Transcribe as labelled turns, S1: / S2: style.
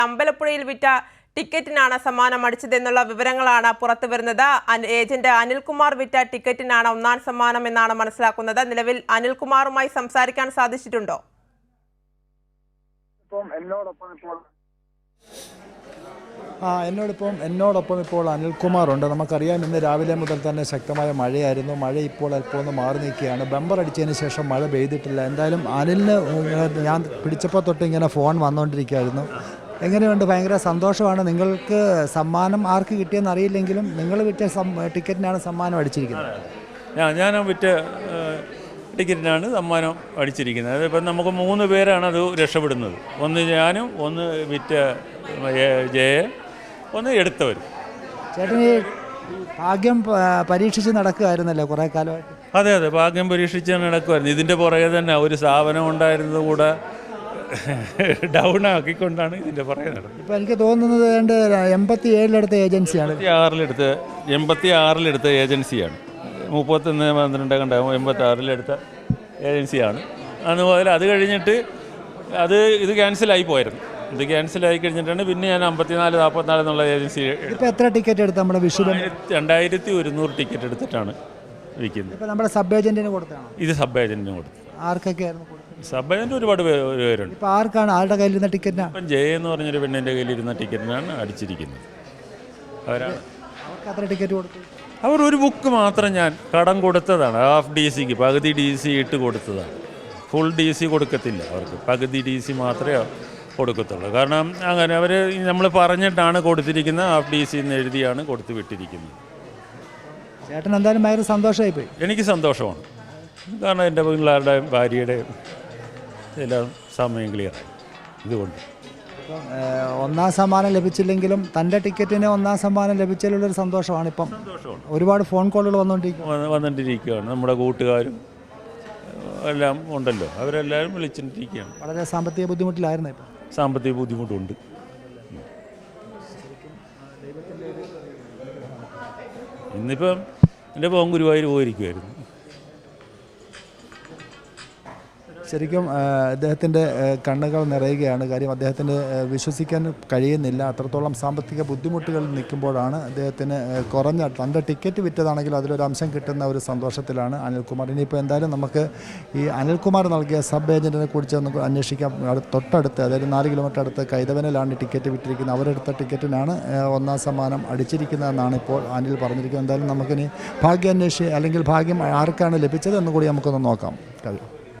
S1: അമ്പലപ്പുഴയിൽ വിറ്റ ടിക്കറ്റിനാണ് സമ്മാനം അടിച്ചതെന്നുള്ള വിവരങ്ങളാണ് പുറത്തുവരുന്നത്. ഏജന്റ് അനിൽകുമാർ വിറ്റ ടിക്കറ്റിനാണ് ഒന്നാം സമ്മാനം എന്നാണ് മനസ്സിലാക്കുന്നത്. നിലവിൽ അനിൽകുമാറുമായി സംസാരിക്കാൻ സാധിച്ചിട്ടുണ്ടോ?
S2: എന്നോടൊപ്പം ഇപ്പോൾ അനിൽകുമാറുണ്ട്. നമുക്കറിയാം, ഇന്ന് രാവിലെ മുതൽ തന്നെ ശക്തമായ മഴയായിരുന്നു. മഴ ഇപ്പോൾ അല്പം ഒന്ന് മാറി നിൽക്കുകയാണ്. ബമ്പർ അടിച്ചതിന് ശേഷം മഴ പെയ്തിട്ടില്ല. എന്തായാലും അനിലിന് ഞാൻ പിടിച്ചപ്പോൾ തൊട്ട് ഇങ്ങനെ ഫോൺ വന്നുകൊണ്ടിരിക്കുകയായിരുന്നു. എങ്ങനെയുണ്ട്? ഭയങ്കര സന്തോഷമാണ്. നിങ്ങൾക്ക് സമ്മാനം ആർക്ക് കിട്ടിയെന്ന് അറിയില്ലെങ്കിലും നിങ്ങൾ വിറ്റ ടിക്കറ്റിനാണ് സമ്മാനം അടിച്ചിരിക്കുന്നത്.
S3: ഞാൻ വിറ്റ ടിക്കറ്റിനാണ് സമ്മാനം അടിച്ചിരിക്കുന്നത്. അതിപ്പം നമുക്ക് 3 പേരാണ് അത് രക്ഷപ്പെടുന്നത്. ഒന്ന് ഞാനും, ഒന്ന് വിറ്റ ജയ, ഒന്ന് എടുത്തവരും.
S2: ചേട്ടന് ഭാഗ്യം പരീക്ഷിച്ച് നടക്കുകയായിരുന്നല്ലോ കുറേ കാലമായിട്ട്.
S3: അതെ, ഭാഗ്യം പരീക്ഷിച്ച് നടക്കുമായിരുന്നു. ഇതിൻ്റെ പുറകെ തന്നെ ഒരു സ്ഥാപനം ഉണ്ടായിരുന്നത് കൂടെ ഡൗൺ ആക്കിക്കൊണ്ടാണ് ഇതിൻ്റെ പുറകെ നടന്നത്.
S2: ഇപ്പോൾ എനിക്ക് തോന്നുന്നത് 87 ഏജൻസിയാണ്.
S3: 86 ഏജൻസിയാണ്. 31 കണ്ടാകും 86 ഏജൻസിയാണ്. അതുപോലെ അത് കഴിഞ്ഞിട്ട് ഇത് ക്യാൻസലായി പോയിരുന്നു. ഇത് ക്യാൻസലായി കഴിഞ്ഞിട്ടാണ് പിന്നെ ഞാൻ 54, 44 എന്നുള്ള ഏജൻസി.
S2: ഇപ്പോൾ എത്ര ടിക്കറ്റ് എടുത്ത് നമ്മുടെ വിഷു?
S3: 2100 ടിക്കറ്റ് എടുത്തിട്ടാണ് വിൽക്കുന്നത്.
S2: ഇപ്പോൾ നമ്മുടെ സബ് ഏജൻറ്റിന് കൊടുത്താണ്.
S3: ഇത് സബ് ഏജൻറ്റിന് കൊടുത്തു.
S2: ആർക്കൊക്കെയായിരുന്നു കൊടുത്തത്?
S3: സബ് ഏജൻറ്റ് ഒരുപാട് പേരുണ്ട്.
S2: ഇപ്പോൾ ആർക്കാണ്? ആരുടെ കയ്യിലിരുന്ന ടിക്കറ്റിനാണ്?
S3: ഇപ്പം ജയ എന്ന് പറഞ്ഞൊരു പെണ്ണിൻ്റെ കയ്യിലിരുന്ന ടിക്കറ്റിനാണ് അടിച്ചിരിക്കുന്നത്. അവർക്ക്
S2: എത്ര ടിക്കറ്റ് കൊടുത്തു?
S3: അവർ ഒരു ബുക്ക് മാത്രം ഞാൻ കടം കൊടുത്തതാണ്. ഹാഫ് DC പകുതി DC ഇട്ട് കൊടുത്തതാണ്. ഫുൾ DC കൊടുക്കത്തില്ല അവർക്ക്. പകുതി DC മാത്രമേ കൊടുക്കത്തുള്ളൂ. കാരണം അങ്ങനെ അവർ നമ്മൾ പറഞ്ഞിട്ടാണ് കൊടുത്തിരിക്കുന്നത്. ഹാഫ് DC എന്ന് എഴുതിയാണ് കൊടുത്തു വിട്ടിരിക്കുന്നത്.
S2: ചേട്ടൻ എന്തായാലും ഭയങ്കര സന്തോഷമായിപ്പോയി.
S3: എനിക്ക് സന്തോഷമാണ്. കാരണം എൻ്റെ പിള്ളേരുടെയും ഭാര്യയുടെയും എല്ലാം സമയം ക്ലിയറായി. ഇതുകൊണ്ട്
S2: ഒന്നാം സമ്മാനം ലഭിച്ചില്ലെങ്കിലും തൻ്റെ ടിക്കറ്റിന് ഒന്നാം സമ്മാനം ലഭിച്ചതിലുള്ളൊരു സന്തോഷമാണ്. ഇപ്പം ഒരുപാട് ഫോൺ കോളുകൾ
S3: വന്നുകൊണ്ടിരിക്കുകയാണ്. നമ്മുടെ കൂട്ടുകാരും എല്ലാം ഉണ്ടല്ലോ, അവരെല്ലാവരും വിളിച്ചിട്ടിരിക്കുകയാണ്.
S2: വളരെ സാമ്പത്തിക ബുദ്ധിമുട്ടിലായിരുന്നു. ഇപ്പം
S3: സാമ്പത്തിക ബുദ്ധിമുട്ടുണ്ട്. ഇന്നിപ്പം എൻ്റെ പോകാൻ ഗുരുവായൂർ പോയിരിക്കുമായിരുന്നു.
S2: ശരിക്കും അദ്ദേഹത്തിൻ്റെ കണ്ണുകൾ നിറയുകയാണ്. കാര്യം അദ്ദേഹത്തിന് വിശ്വസിക്കാൻ കഴിയുന്നില്ല. അത്രത്തോളം സാമ്പത്തിക ബുദ്ധിമുട്ടുകൾ നിൽക്കുമ്പോഴാണ് അദ്ദേഹത്തിന് കുറഞ്ഞ തൻ്റെ ടിക്കറ്റ് വിറ്റതാണെങ്കിൽ അതിലൊരു അംശം കിട്ടുന്ന ഒരു സന്തോഷത്തിലാണ് അനിൽകുമാർ. ഇനിയിപ്പോൾ എന്തായാലും നമുക്ക് ഈ അനിൽകുമാർ നൽകിയ സബ് ഏജൻറ്റിനെ കുറിച്ച് നമുക്ക് അന്വേഷിക്കാം. തൊട്ടടുത്ത്, അതായത് 4 കിലോമീറ്റർ അടുത്ത് കൈതവനിലാണ് ടിക്കറ്റ് വിറ്റിരിക്കുന്നത്. അവരെടുത്ത ടിക്കറ്റിനാണ് ഒന്നാം സമ്മാനം അടിച്ചിരിക്കുന്നതെന്നാണ് ഇപ്പോൾ അനിൽ പറഞ്ഞിരിക്കുന്നത്. എന്തായാലും നമുക്കിനി ഭാഗ്യാന്വേഷി അല്ലെങ്കിൽ ഭാഗ്യം ആർക്കാണ് ലഭിച്ചത് എന്ന് കൂടി നമുക്കൊന്ന് നോക്കാം.